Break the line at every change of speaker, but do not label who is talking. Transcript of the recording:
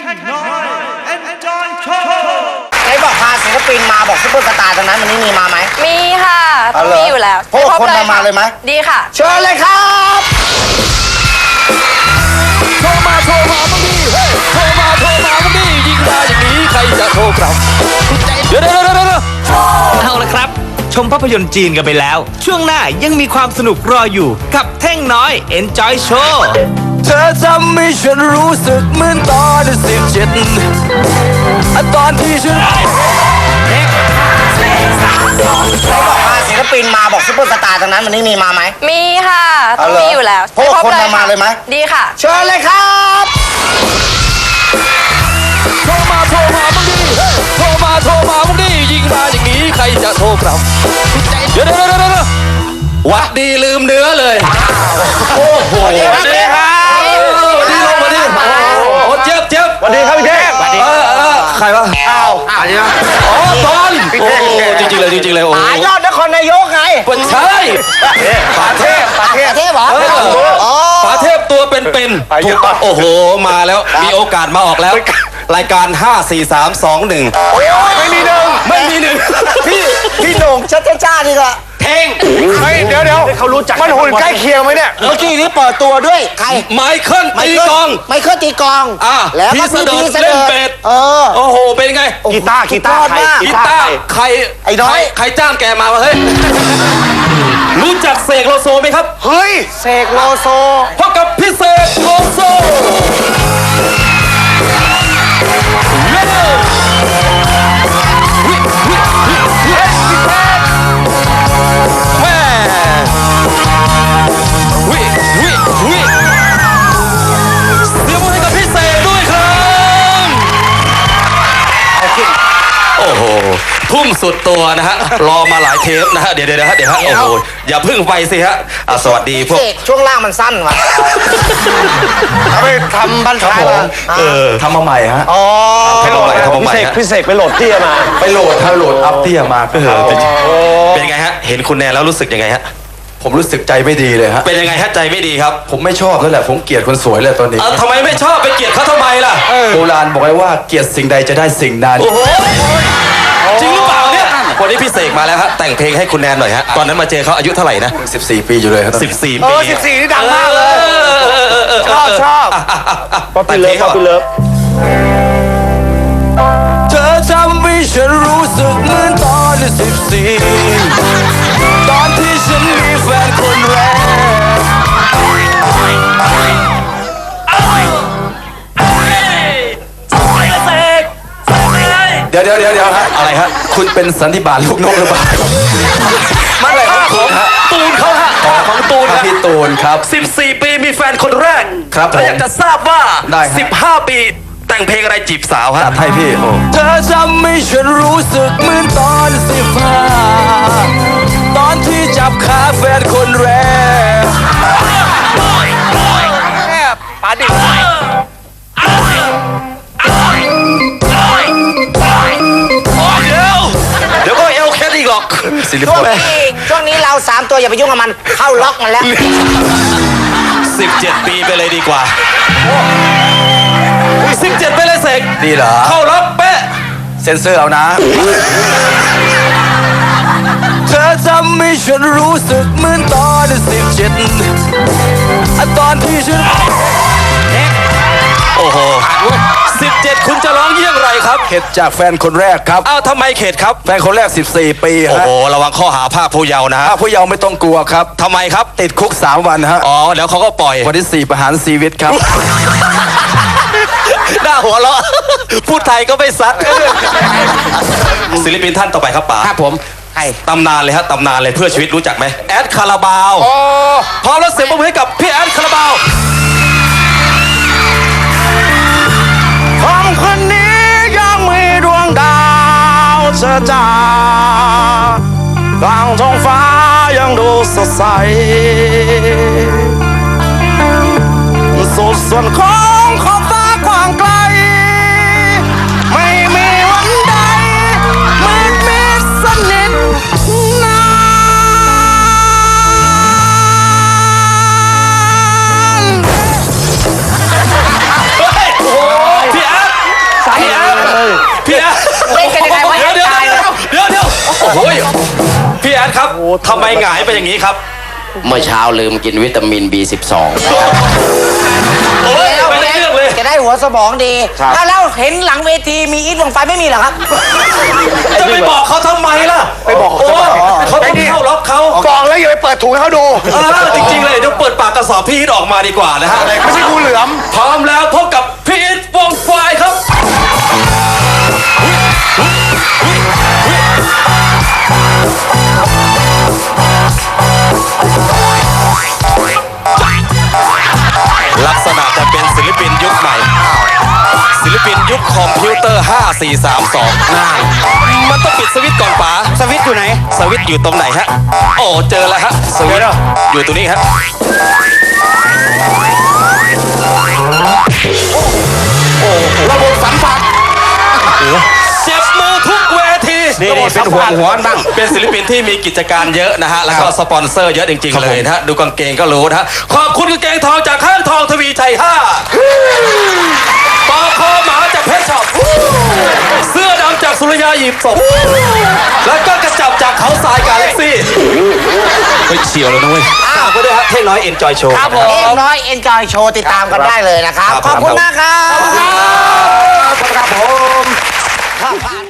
น้อย Enjoy Show
ไหนบอกพาศิลปินมาบอกซุปเปอร์สตาร์ตรงนั้นวันนี้มีมาไหม
มีค่ะต้องมีอยู่แล้ว
พวกคนมาเลยไหม
ดีค่ะ
เชิญเลยครับ
โทรมาบ้างดิเฮ้ยโทรมาบ้างดิยิงมาอย่างนี้ใครจะโทรกลับเดี๋ยว
เอาละครับ ชมภาพยนตร์จีนกันไปแล้ว ช่วงหน้ายังมีความสนุกรออยู่กับเท่งน้อย Enjoy Show
เธอทำให้ฉันรู้สึกเหมือนตอน17ตอนที่ฉัน
ไหนบอกพาศิลปินมาบอกซุปเปอร์สตาร์ตรงนั้นวันนี้มีมาไหม
มีค่ะต้องมีอยู่แล้ว
พวกคนมาเลยไหม
ดีค่ะ
เชิญเลยครับ
โทรมาบ้างดิเฮ้ยโทรมาบ้างดิยิงมาอย่างนี้ใครจะโทรกลับเดี๋ยววัดดีลืมเนื้อเลยโอ้โห
สวัสดีครับ
ดีลงมาดิโอ้เจ็บ
สวัสดีครับพี่เทพ
ใครวะ
อ้าว
อ๋อตอนโอ้จริงเลยโอ้
ยอดนครนายกไง
ใช่
ป่าเทพเหรอ
ป๋าเทพตัวเป็นถูกโอ้โหมาแล้วมีโอกาสมาออกแล้วรายการ5 4 3 2 1
ไม่มีหนึ่งพี่โหน่งจ้านี่ก็
เท่ง
เดี๋ยวเขารู้จักมันหุ่นใกล้เคียงไหมเนี่ยเมื่อกี้นี้เปิดตัวด้วยใคร
ไมเคิลตีกอง
ตีกอง
แล้วพี่เสด็จเล่นเป็ดโอ้โหเป็นไง
กีตาร์
ใคร
ไอ้น้อย
ใครจ้างแกมาวะเฮ้ยรู้จักเสกโลโซไหมครับ
เฮ้ยเสกโลโซ
พบกับพี่เสกโลโซทุ่มสุดตัวนะฮะรอมาหลายเทปนะฮะเดี๋ยวฮะโอ้โหอย่าพึ่งไปสิฮะสวัสดีพวก
ช่วงล่างมันสั้นว่ะเอาไปทำบันท้ายมา
ทำมาใหม่ฮะ
ทำมาใหม่
พี่เสกไปโหลดเตี้ยมาไปโหลดอัพเตี้ยมาเป็นไงฮะเห็นคุณแนนแล้วรู้สึกยังไงฮะผมรู้สึกใจไม่ดีเลยฮะเป็นยังไงฮะใจไม่ดีครับผมไม่ชอบแล้วแหละผมเกลียดคนสวยเลยตอนนี้ทำไมไม่ชอบไปเกลียดเขาทำไมล่ะโบราณบอกไว้ว่าเกลียดสิ่งใดจะได้สิ่งนั้นจริงหรือเปล่าเนี่ยวันนี้พี่เสกมาแล้วฮะแต่งเพลงให้คุณแนนหน่อยฮะตอนนั้นมาเจอเขาอายุเท่าไหร่นะ14 ปีอยู่เลยครับ14 ปี
14นี่ดังมากเลยชอบป๊อปปี้เลิฟ
เธอทำให้ฉันรู้สึกเหมือนตอน14ตอนที่ฉันมีแฟนคนแรกเดี๋ยวฮะอะไรฮะคุณเป็นสันติบาลลูกนกหรือเปล่ามันอะไรของตูนเขาฮะของตูนพี่ตูนครับ14 ปีมีแฟนคนแรกครับแล้วอยากจะทราบว่า15 ปีแต่งเพลงอะไรจีบสาวฮะให้พี่เธอทำให้ฉันรู้สึกเหมือนตอน15ตอนที่จับขาแฟนคนแรก
ปาดิ
เดี๋ยวก็เอลแคทอีกหรอก
ช่วงนี้เรา3ตัวอย่าไปยุ่งกับมันเข้าล็อกมันแล้ว
17 ปีไปเลยดีกว่า17ไปเลยเสกดีเหรอเข้าล็อกเป๊ะเซ็นเซอร์เอานะเธอทำให้ฉันรู้สึกเหมือนตอน17ตอนที่ฉันโอ้โห17คุณจะร้องเยี่ยงไรครับเข็ดจากแฟนคนแรกครับอ้าวทำไมเข็ดครับแฟนคนแรก14 ปีโอ้โหระวังข้อหาภาคผู้เยาว์นะฮะผู้เยาว์ไม่ต้องกลัวครับทำไมครับติดคุก3 วันฮะอ๋อแล้วเขาก็ปล่อยวันที่4ประหารชีวิตครับหน้าหัวเราะพูดไทยก็ไม่ซัดศิลปินท่านต่อไปครับป๋า
ครับผม
ตำนานเลยฮะตำนานเลยเพื่อชีวิตรู้จักไหมแอดคาราบาวพร้อมแล้วเสียงปรบมือให้กับพี่แอดคาราบาว
ของคนนี้ยังมีดวงดาวเจิดจ้ากลางท้องฟ้ายังดูสดใสสุดส่วนของขอบฟ้ากว้างไกลไม่มีวันใดมืดมิดสนิทนาน
พี่แอดพี่แอด
เล่นกันยังไงวะ
เดี๋ยว
ตายเลย
เดี๋ยวโอ้โหพี่แอดครับทำไมหงายไปอย่างนี้ครับ
เมื่อเช้าลืมกินวิตามิน B12
โอ้ยไม่ได้เรื่องเลย
จะได้หัวสมองดีแล้วเห็นหลังเวทีมีอีทวงไฟไม่มีเหรอครับ
จะไปบอกเขาทำไมล่ะไปบอกเขาเขาต้องเข้าล็อกเขา
บอกแล้วอย่าไปเปิดถุงให้เขาดู
จริงๆเลยเดี๋ยวเปิดปากกระสอบพี่อิทออกมาดีกว่านะฮะ
ไม่ใช่งูเหลือม
พร้อมแล้วพบกับพี่อิทวงไฟครับ ลักษณะจะเป็นศิลปินยุคใหม่ ศิลปินยุคคอมพิวเตอร์ 5432มันต้องปิดสวิตช์ก่อนป๋า
สวิตช์อยู่ไหน
สวิตช์อยู่ตรงไหนฮะ โอ้เจอแล้วฮะ สวิตช์อยู่ตรงนี้ฮะ
ระบบสัมผัส
เจ็บมือทุกเวที
นี่เป็นห่วงหัวบ้าง
เป็นศิลปินที่มีกิจการเยอะนะฮะ แล้วก็สปอนเซอร์เยอะจริงๆเลยนะฮะ ดูกางเกงก็รู้นะฮะ ขอบคุณกางเกงทองจากห้างทองทวีชัย 5ปอคอหมาจากเพชรช็อปเสื้อดำจากสุริยาหยิบศพแล้วก็กระจับจากเขาทรายกาแล็กซี่ไปเฉียวเลยนะเว้ยก็ด้วยฮะเท่งน้อยเอ็นจอยโชว์
ครับผมเอ็มน้อยเอ็นจอยโชว์ติดตามกันได้เลยนะครับ
ครับ
ขอบคุณมากครับ
ครับผม